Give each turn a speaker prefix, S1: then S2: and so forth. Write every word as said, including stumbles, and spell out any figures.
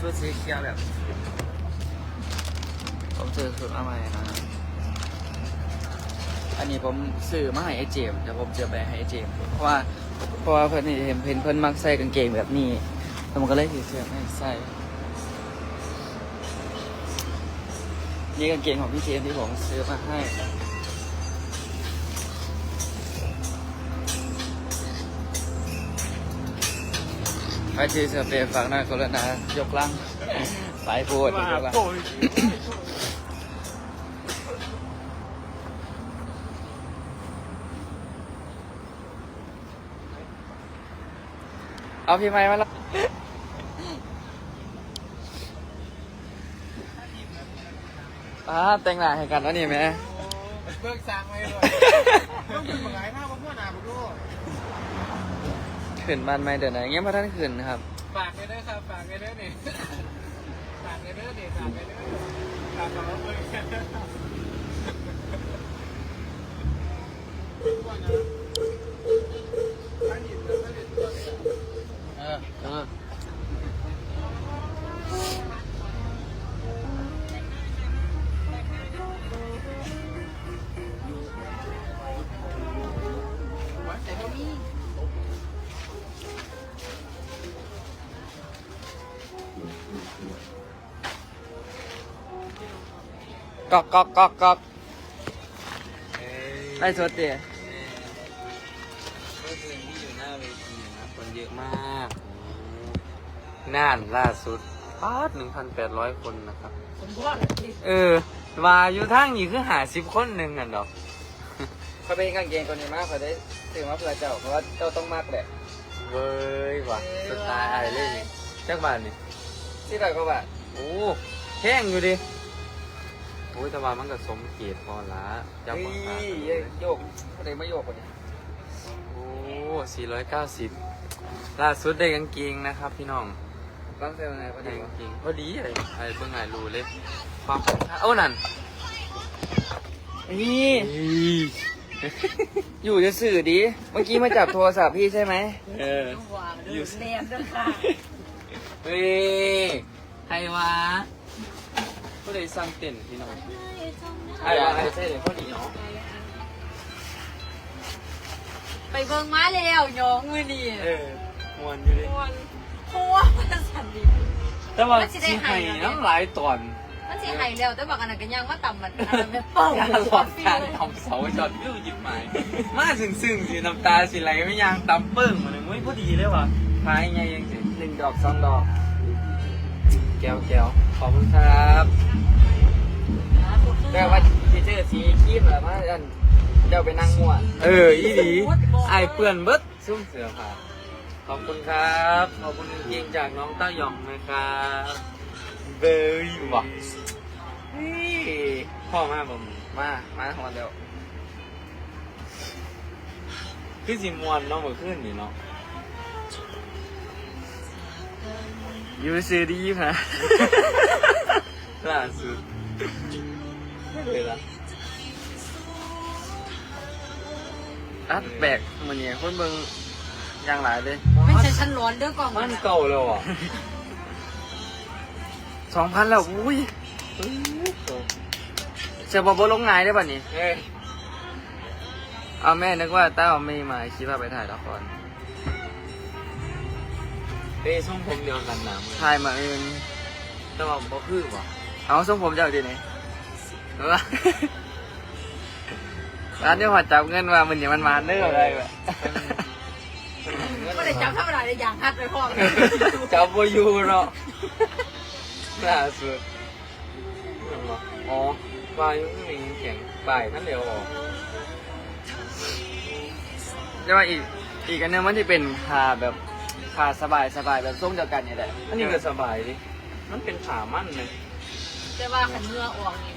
S1: ชุดสีเขียวแบบผมซื้อชุดมาใหม่นะอันนี้ผมซื้อมาให้ไอเจมแต่ผมจะไปให้ไอเจมเพราะว่าเพราะว่าเพื่อนนี่เห็นเพื่อนเพื่อนมักใส่กางเกงแบบนี้แล้วมันก็เลยถือเสื้อให้ใส่นี่กางเกงของพี่เจมที่ผมซื้อมาให้ใครที่เสื้อเปรย์ฝากหน้าคนละนะยกล่างสายพูดยกล่างเอาพี่ไม้มาแล้วอ่าแต่งหน้าให้กันแล้วนี่ไหม
S2: เบิกสร้างไว้เลยต้องเป็นหมายภาพว่าพ่อหนาบุดู
S1: ขืนบ้านไม่เดินไหนเงี้ยพระท่านขืนครับ
S2: ฝากเลยนะครับฝากเลยเด้อนี่ฝากเลยเด้อนี่ฝากเลยเด้อฝากเราเลย
S1: เออเออก๊อกก๊อกก๊อกก๊อกได้สดเตี๋ย
S3: เมื่อคืนที่อยู่หน้าเวทีนะคนเยอะมากน่านล่าสุดปาดหนึ่งพันแปดร้อยคนนะครับเออวาอยู่ทั้งนี่คือหาสิบคนหนึ่งอ่ะดอก
S1: เขาเป็นกางเกงตัวนี้มากเขาได้ซื้อมาเพื่อเจ้าเพราะว่าเจ้าต้องมากแหละ
S3: เว้ยว่ะสไตล์อะไรเลยนี่จักบาทนี่
S1: ที่ไหนก็แบบ
S3: โอ้แห้งอยู่ดิโอ้ยแต่ว่ามันก็สมเกียรติพอละจับ
S1: เฮ้
S3: ปาก
S1: ยโยกเขาเลยไม่โยกกว่านี้
S3: โอ้สี่ร้อยเก้าสิบล่าสุดได้กางเกงนะครับพี่น้อง
S1: บ้างเซลไงพอ
S3: ได้
S1: ดี
S3: กางเกงพอดีเลยไอ้เบิ่งไงรู้เลยความคุ้มค่าเอ้านั่น
S1: นี่ อยู่จะสื่อดีเมื่อกี้มาจับโทรศัพท์พี่ใช่ไหม
S3: เออ
S4: อยู่เรียนด้วยค่ะ
S3: เฮ้ยใครวะก็เลยสร้างเต็นท์พี่น้อง
S1: ใครวะใช่เลยพอดีเนาะ
S4: ไปเบิ่งมาแล้วยองมือนี่
S3: เออมวนอยู่ดิ
S4: มวนพัวมันสั่นดิ
S3: แต่ว่าสิให้น้ำหลายตอน
S4: มันสิให้แล้วแต่บอกอันนั้นก็ยังว่าต่ำมันอันนั้นเป็นเป้า
S3: การหลอดการทำเสาจอดวิวหยิบไม้มาซึ้งซึ้งสิน้ำตาสิไหลไม่ยางตำเปิ้งมาเลยมุ้ยพอดีเลยว่ะพายไงยังสิ
S1: หนึ่งดอกสองดอก
S3: แก้วแก้วขอบคุณครับ
S1: แต่ว่าที่เจอสีคีบเหรอมาอันเดี๋ยวไปนั่งมั่ว
S3: เอออีดีไอเปื่อนเบิดซุ่มเสือผ่าขอบคุณครับขอบคุณจริงจากน้องเต้าหยองนะครับเบย์ว่ะพ่อมาบ่ม
S1: มามาหอนเดี๋ยว
S3: คือสิมวนเนาะเมื่อคืนนี่เนาะ
S1: ยูซื้อดีค่ะ
S3: ล่าสุดไม่เลยละ
S1: อัดแบกมันเนี่ยคนเบิ่งอย่างหลายเลย
S4: ไม่ใช่ฉันร้อนเด้อกล่อง
S3: มันเก่าแล้วอ่ะ
S1: สองพันแล้วอุ้ยเชื่อบอกว่าลงไงได้ป่ะนี่เอาแม่นึกว่าเต้าไม่มาคิดว่าไปถ่ายละคร
S3: เอ้ส่งผมเดียวกันนะ
S1: ถ่ายมาเอง
S3: แต่ว่าบ่คือว่ะ
S1: เอาส่งผมจะเอาดีไหนร้านนี้หัดจับเงินมามันอย่างมันมาเนื้ออะไรแบบ
S4: ไม่ได้จับทำอะไรอย่างฮัดไปพ่อ
S3: จับโบยูเนาะล่าสุดอ๋อปลายังไม่มีแข็งปลายท่านเดียวออก
S1: จะว่าอีกอีกอันนึงมันจะเป็นคาแบบคาสบายสบายแบบส้มเดียวกันนี่แหละ
S3: อันนี้ก็สบายดิมันเป็นขามั่นเลย
S4: แต่ว่าขันเนื้อออกนี่